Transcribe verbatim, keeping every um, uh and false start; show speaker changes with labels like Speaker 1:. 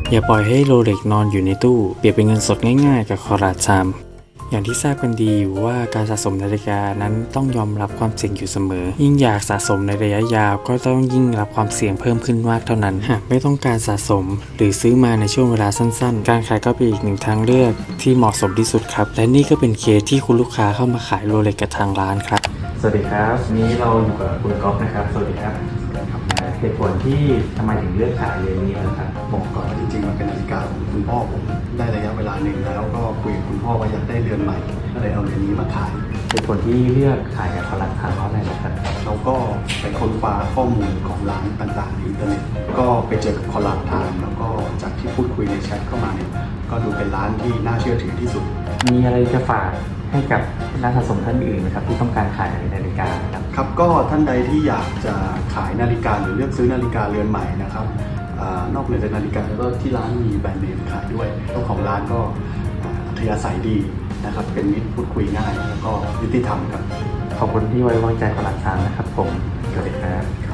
Speaker 1: อย่าปล่อยให้โรเล็กนอนอยู่ในตู้เปรียบเป็นเงินสดง่ายๆกับคอราชามอย่างที่ทราบกันดีอยู่ว่าการสะสมนาฬิกานั้นต้องยอมรับความเสี่ยงอยู่เสมอยิ่งอยากสะสมในระยะยาวก็ต้องยิ่งรับความเสี่ยงเพิ่มขึ้นมากเท่านั้นหากไม่ต้องการสะสมหรือซื้อมาในช่วงเวลาสั้นๆการขายก็เป็นอีกหนึ่งทางเลือกที่เหมาะสมที่สุดครับและนี่ก็เป็นเคสที่คุณลูกค้าเข้ามาขายโรเล็กกับทางร้านครับสวัสดีครับวันนี้เราอยู่กับคุณก๊อฟนะครับสวัสดีครับเหตุผลที่ทำไมถึงเลือกขายเรือนนี้นะครับบอกก่อน
Speaker 2: จริงๆมันเป็นนาฬิกาของคุณพ่อผมได้ระยะเวลาหนึ่งแล้วก็คุยกับคุณพ่อว่าอยากได้เรือนใหม่ก็เลยเอาเรือนนี้มาขาย
Speaker 1: เหตุผลที่เลือกขายกับคอรัสทางเพราะอะไรนะครับ
Speaker 2: เราก็ไปค้นคว้าข้อมูลของร้านต่างๆในอินเทอร์เน็ตก็ไปเจอกับคอลัมน์ทางแล้วก็จากที่พูดคุยในแชทเข้ามาเนี่ยก็ดูเป็นร้านที่น่าเชื่อถือที่สุด
Speaker 1: มีอะไรจะฝากให้กับนักสะสมท่านอื่นไหมครับที่ต้องการขายนาฬิกาครับ
Speaker 2: ครับก็ท่านใดที่อยากจะขายนาฬิกาหรือเลือกซื้อนาฬิกาเรือนใหม่นะครับนอกเหนือจากนาฬิกาแล้วก็ที่ร้านมีแบรนด์เนมขายด้วยเจ้าของร้านก็อัธยาศัยดีนะครับเป็นมิตรพูดคุยง่ายแล้วก็ยุติธรรมครับ
Speaker 1: ขอบคุณที่ไว้วางใจคอรัสทางนะครับผมสวัสดีครับ